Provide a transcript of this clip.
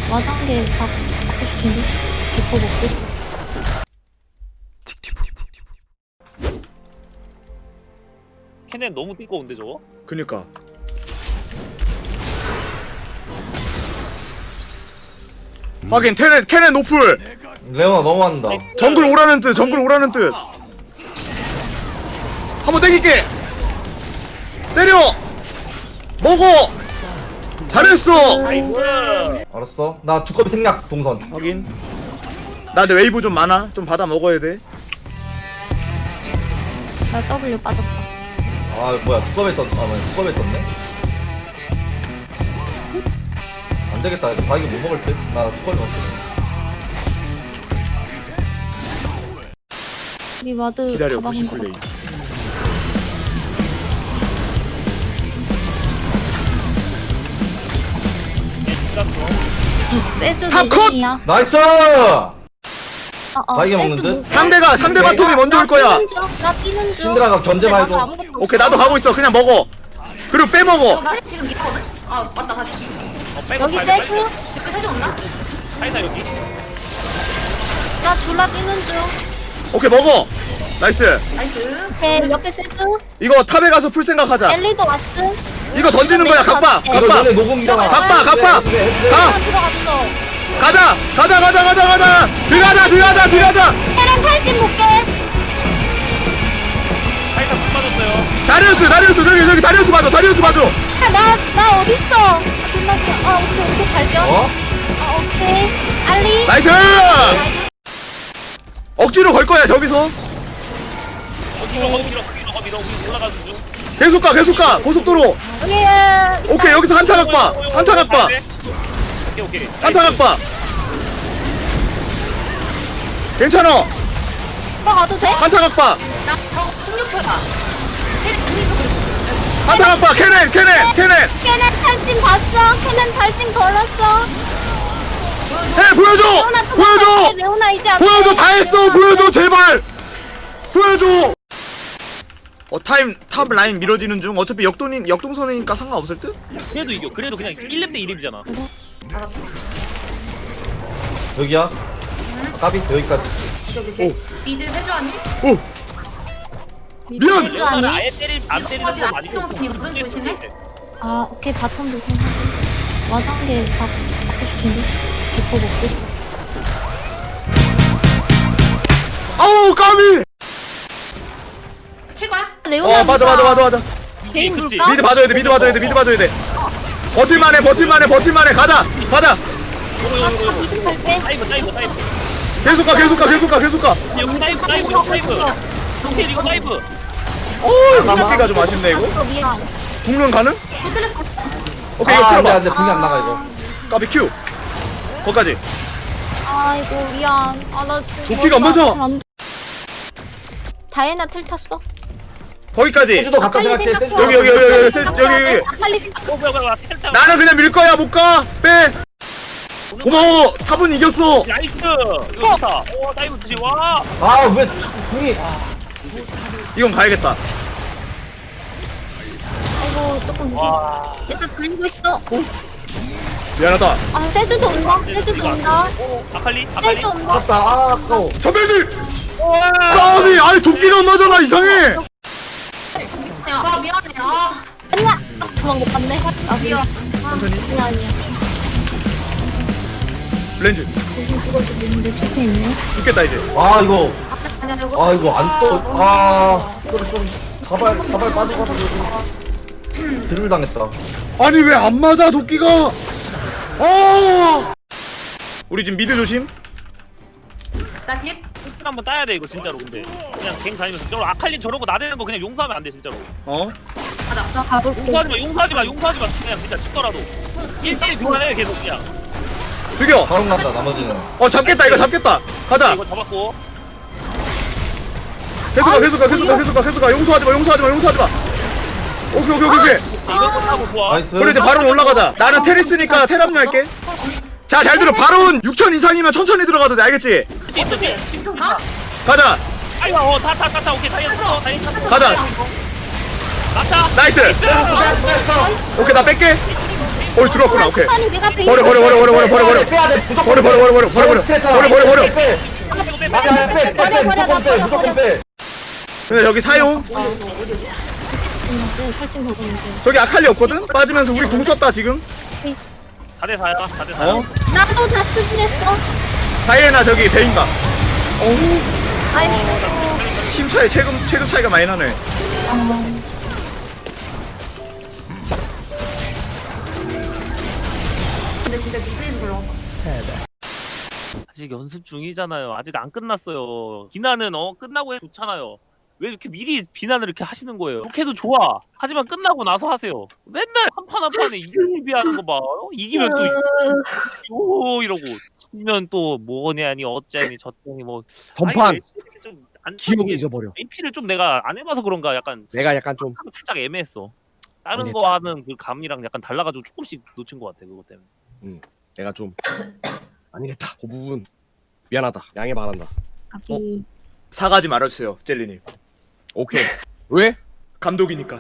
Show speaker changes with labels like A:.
A: 와장게 다 먹고 싶은데? 기포 먹고.
B: 캐넨 너무 띠꺼운데 저거?
C: 그니까 하긴 캐넨 노플
D: 레오나 너무한다.
C: 정글 오라는 뜻 정글 오라는 뜻 한번 땡길게 때려 먹어 잘했어
B: 나이스!
D: 알았어. 나 두꺼비 생략 동선.
C: 하긴 나 근데 웨이브 좀 많아 좀 받아 먹어야 돼
A: 나 W 빠졌다.
D: 아 뭐야 두꺼비 떴. 아 뭐야 두꺼비 떴네. 안 되겠다. 이거 바이게 못 먹을 듯. 나 두꺼비 먹겠어.
A: 우리 와드
C: 기다려
A: 다 막은
C: 90
A: 거
C: 플레이
A: 세주
C: 탑 컷!
A: 이야
D: 나이스. 바이게 먹는 듯?
C: 상대 바텀이 먼저 올 거야
A: 나 뛰는 중.
D: 신드라가 견제만 해줘.
A: 나도 아무것도
C: 오케이 나도 가고 있어 그냥 먹어 그리고 빼먹어
E: 나 지금 미거든? 아 맞다 다시
B: 빼고
A: 여기
B: 가야 돼,
A: 세주.
E: 댓글 세지 없나?
B: 카이사 여기.
A: 나 졸라 뛰는 중.
C: 오케이 먹어 나이스
E: 나이스
A: 오케이 옆에 세주.
C: 이거 탑에 가서 풀 생각하자
A: 엘리도 왔음.
C: 이거 던지는 거야 각박
A: 이거
D: 이거
C: 각박
D: 너네 노공이잖아.
C: 각박
D: 네,
C: 각박 가
A: 들어갔어.
C: 가자 들어가자
A: 세랑 탈진 볼게.
B: 카이사 못 맞았어요.
C: 다리우스 저기 다리우스 봐줘
A: 나 어딨어? 존나 귀여워. 오케이 발견.
D: 어?
A: 오케이. 알리.
C: 나이스 억지로 걸 거야 저기서
B: 거기 밀어 우리 올라가는 중.
C: 계속 가 고속도로 오케이 여기서 한타 각박
B: 오케이.
C: 괜찮아
A: 나 가도 돼?
C: 한타 각박
E: 나 저거 16%야 세리 분위기 그랬어
C: 한타 각박 캐넨
A: 걔네 탈진 봤어? 걔네 탈진 걸었어?
C: 해 보여줘
A: 레오나 이제 앞에.
C: 보여줘 다 했어 보여줘 제발 보여줘 탑 라인 밀어지는 중 어차피 역동선이니까 상관없을 듯?
B: 그래도 이겨. 그래도 그냥 1렙 대 1렙이잖아.
D: 여기야. 까비 여기까지.
C: 오.
E: 미드 세주 아니?
C: 오 미안!
A: 세주 아니?
B: 아예 안 때리는
E: 거지
B: 건 아니고.
E: 아니거든 조심해
A: 아 오케이 바텀 조심하고. 와장게 다 먹고 싶은데? 기포 먹고.
C: 아우 까비
E: 칠 거야?
A: 레오나
C: 맞아
A: 개인
B: 그치.
A: 물까?
C: 미드 봐줘야 돼 버틸만해 가자
A: 미드 갈게.
B: 다이브.
C: 계속 가
B: 여기 다이브. 오케이 이거 다이브.
C: 이렇게가 좀 아쉽네 이거
A: 미안.
C: 국면 가능? 오케이 이거
D: 안돼
C: 풀어봐
D: 안돼 분이 안 나가 이거.
C: 까비 큐 거기까지
A: 아이고 미안. 아나
C: 도끼가 안 맞아.
A: 다이애나 텔 탔어?
C: 거기까지
D: 세주도 갖다 생각해. 세주.
C: 여기
A: 아칼리 생각.
B: 뭐야 텔타.
C: 나는 그냥 밀 거야 못 가 빼 고마워 탑은 이겼어
B: 나이스. 이거 좋다. 오 다이브 지 와.
D: 아왜 자꾸 궁이.
C: 이건 가야겠다
A: 아이고 조금
B: 와.
A: 일단 돌리고 있어.
C: 미안하다
A: 아 세주도 온다.
B: 오 아칼리.
A: 세주 온다.
D: 아깝다. 아 아까워.
C: 전멸들 까비 아니 도끼가 안 맞아나 이상해
E: 아 미안해 아
A: 아니야. 도망 못 갔네. 아 미안.
C: 천천히
A: 미안이야.
C: 렌즈
A: 조심 죽어주고 있는데 실패했네.
C: 죽겠다 이제
D: 아 이거.
E: 아니야 이거
D: 아 이거 안 떠. 아 좀 자발 빠져가지고 드릴 당했다.
C: 아니 왜 안 맞아 도끼가 우리 지금 미드 조심
E: 나집
B: 한번 따야 돼 이거 진짜로 근데. 그냥 갱 다니면서 저로 아칼린 저러고 나대는 거 그냥 용서하면 안 돼 진짜로.
A: 나 가볼게.
B: 용서하지 마. 그냥 진짜 죽더라도. 1대1 교환해 계속 그냥.
C: 죽여
D: 바로 간다 나머지는.
C: 잡겠다 이거 잡겠다 가자
B: 이거 잡았고.
C: 계속 가 용서하지 마 오케이
B: 이거 끝하고 좋아.
D: 나이스.
C: 우리 이제 바론 올라가자 나는 테리스니까 테랍류 할게 자 잘 들어 바론 6천 이상이면 천천히 들어가도 돼 알겠지? 가자
B: 아이고 타 오케이 다이아 탔어.
C: 가자
B: 맞다.
C: 나이스 오케이 나 뺄게 어이 들어왔구나. 오케이.
A: 아니 내가 베이스.
C: 버려.
D: 빼야 돼. 무조건
C: 버려.
D: 빼. 빼. 아니야, 빼.
A: 버려,
D: 무조건 빼. 무조건 빼.
C: 근데 여기 사용.
A: 설정 버렸는데.
C: 저기 아칼리 없거든? 빠지면서 우리 궁 썼다 지금.
B: 4대 4야. 4대 4야.
C: 어?
A: 나도 다 쓰긴 했어.
C: 다이애나 저기 베인가.
A: 아이.
C: 심차에 체급 차이가 많이 나네.
E: 근데 진짜 미드에서 불러.
B: 아직 연습 중이잖아요. 아직 안 끝났어요. 비난은 끝나고 해 좋잖아요. 왜 이렇게 미리 비난을 이렇게 하시는 거예요? 이렇게도 좋아. 하지만 끝나고 나서 하세요. 맨날 한 판 한 판에 이기비하는 거 봐. 이기면 또 요 이러고 지면 또 뭐냐니 어쩌니 저쩌니 뭐.
F: 전판
B: 좀안
F: 기억을 잊어버려.
B: AP를 좀 내가 안 해봐서 그런가 약간
F: 내가 약간 좀
B: 살짝 애매했어. 다른
F: 아니,
B: 거 하는 그 감이랑 약간 달라가지고 조금씩 놓친 것 같아 그것 때문에.
F: 내가 좀 아니겠다. 그 부분 미안하다. 양해 바란다.
A: 아비.
C: 사가지 말아주세요, 젤리님.
F: 오케이. 왜?
C: 감독이니까.